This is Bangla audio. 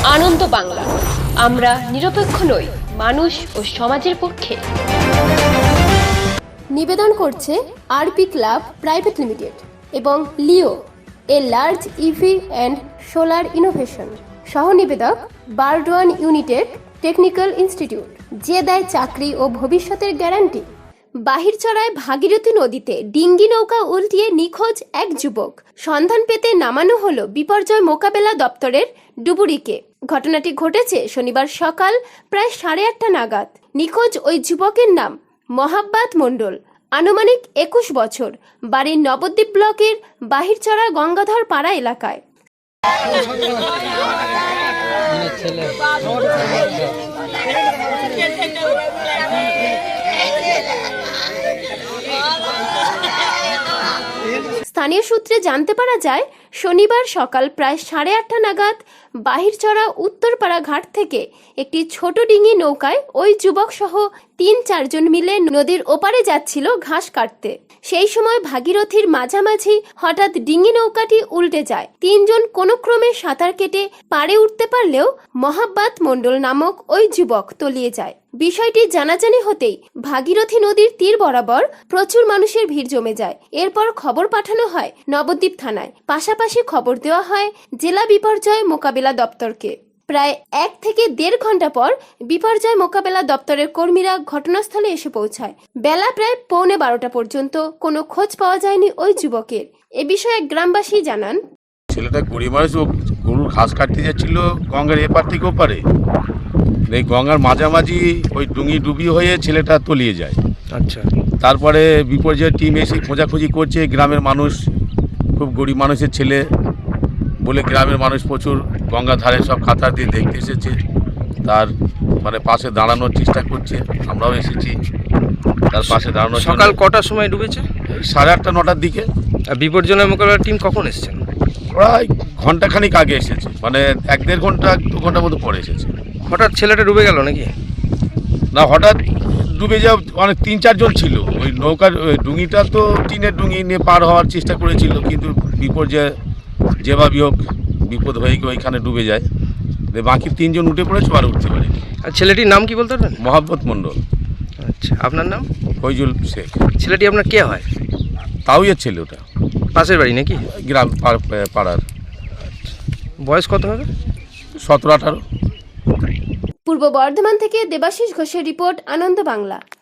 আনন্দ বাংলা, আমরা নিরপেক্ষ নই, মানুষ ও সমাজের পক্ষে। নিবেদন করছে আরপি ক্লাব প্রাইভেট লিমিটেড এবং Leo, a large EV and solar innovation. সহ নিবেদক বারডোয়ান ইউনিটেড টেকনিক্যাল ইনস্টিটিউট, যে দেয় চাকরি ও ভবিষ্যতের গ্যারান্টি। বাহিরচড়ায় ভাগীরথী নদীতে ডিঙ্গি নৌকা উল্টিয়ে নিখোঁজ এক যুবক। সন্ধান পেতে নামানো হলো বিপর্যয় মোকাবেলা দপ্তরের ডুবুরিকে। ঘটনাটি ঘটেছে শনিবার সকাল প্রায় 8:30 নাগাদ। নিখোঁজ ওই যুবকের নাম মহাব্বাত মণ্ডল, আনুমানিক 21 বছর, বাড়ির নবদ্বীপ ব্লকের বাহিরচড়া গঙ্গাধর পাড়া এলাকায়। স্থানীয় সূত্রে জানতে পারা যায়, শনিবার সকাল প্রায় 8:30 নাগাদ বাহিরচড়া উত্তরপাড়া ঘাট থেকে একটি ছোট ডিঙি নৌকায় ওই যুবক সহ 3-4 জন মিলে নদীর ওপারে যাচ্ছিল ঘাস কাটতে। সেই সময় ভাগীরথীর মাঝামাঝি হঠাৎ ডিঙি নৌকাটি উল্টে যায়। 3 জন কোনো ক্রমে সাঁতার কেটে পাড়ে উঠতে পারলেও মহাব্বাত মণ্ডল নামক ওই যুবক তলিয়ে যায়। বিষয়টি জানাজানি হতেই ভাগীরথী নদীর তীর বরাবর প্রচুর মানুষের ভিড় জমে যায়। এরপর খবর পাঠানো হয় নবদ্বীপ থানায়, পাশাপাশি খবর দেওয়া হয় জেলা বিপর্যয় মোকাবেলা দপ্তরকে। প্রায় 1 থেকে 1.5 ঘন্টা পর বিপর্যয় মোকাবেলা দপ্তরের কর্মীরা ঘটনাস্থলে এসে পৌঁছায়। বেলা প্রায় 11:45 পর্যন্ত কোনো খোঁজ পাওয়া যায়নি ওই যুবকের। এ বিষয়ে গ্রামবাসী জানান, ছেলেটা গরিব মানুষ, গরুর ঘাস কাটতে যাচ্ছিল গঙ্গার এপার থেকে ওপারে। এই গঙ্গার মাঝামাঝি ওই ডুঙি ডুবি হয়ে ছেলেটা তলিয়ে যায়। আচ্ছা, তারপরে বিপর্যয় টিম এসে খোঁজাখুঁজি করছে। গ্রামের মানুষ, খুব গরিব মানুষের ছেলে বলে গ্রামের মানুষ প্রচুর গঙ্গার ধারে সব কাতার দিয়ে দেখতে এসেছে। তার মানে পাশে দাঁড়ানোর চেষ্টা করছে, আমরাও এসেছি তার পাশে দাঁড়ানোর। সকাল কটার সময় ডুবেছে? 8:30-9টার দিকে। আর বিপর্যয় মোকাবেলার টিম কখন এসেছেন? প্রায় ঘন্টাখানিক আগে এসেছে, মানে 1-1.5 ঘন্টা 2 ঘন্টার মতো পরে এসেছে। হঠাৎ ছেলেটা ডুবে গেল নাকি? না, হঠাৎ ডুবে যাওয়া অনেক 3-4 জন ছিল। ওই নৌকার ডুঙিটা তো টিনের ডুঙি নিয়ে পার হওয়ার চেষ্টা করেছিল, কিন্তু বিপর্যয় যেভাবে হোক বিপদ হয়ে গিয়ে ওইখানে ডুবে যায়। বাকি 3 জন উঠে পড়েছে, আর উঠতে পারেনি। আর ছেলেটির নাম কি বলতে পারবেন? মহাব্বত মণ্ডল। আচ্ছা, আপনার নাম? ফৈজুল শেখ। ছেলেটি আপনার কে হয়? তাওইয়ের ছেলে, ওটা পাশের বাড়ি নাকি? গ্রাম পাড়ার। বয়স কত হবে? 17-18। পূর্ব বর্ধমান থেকে দেবাশিস ঘোষের রিপোর্ট, আনন্দ বাংলা।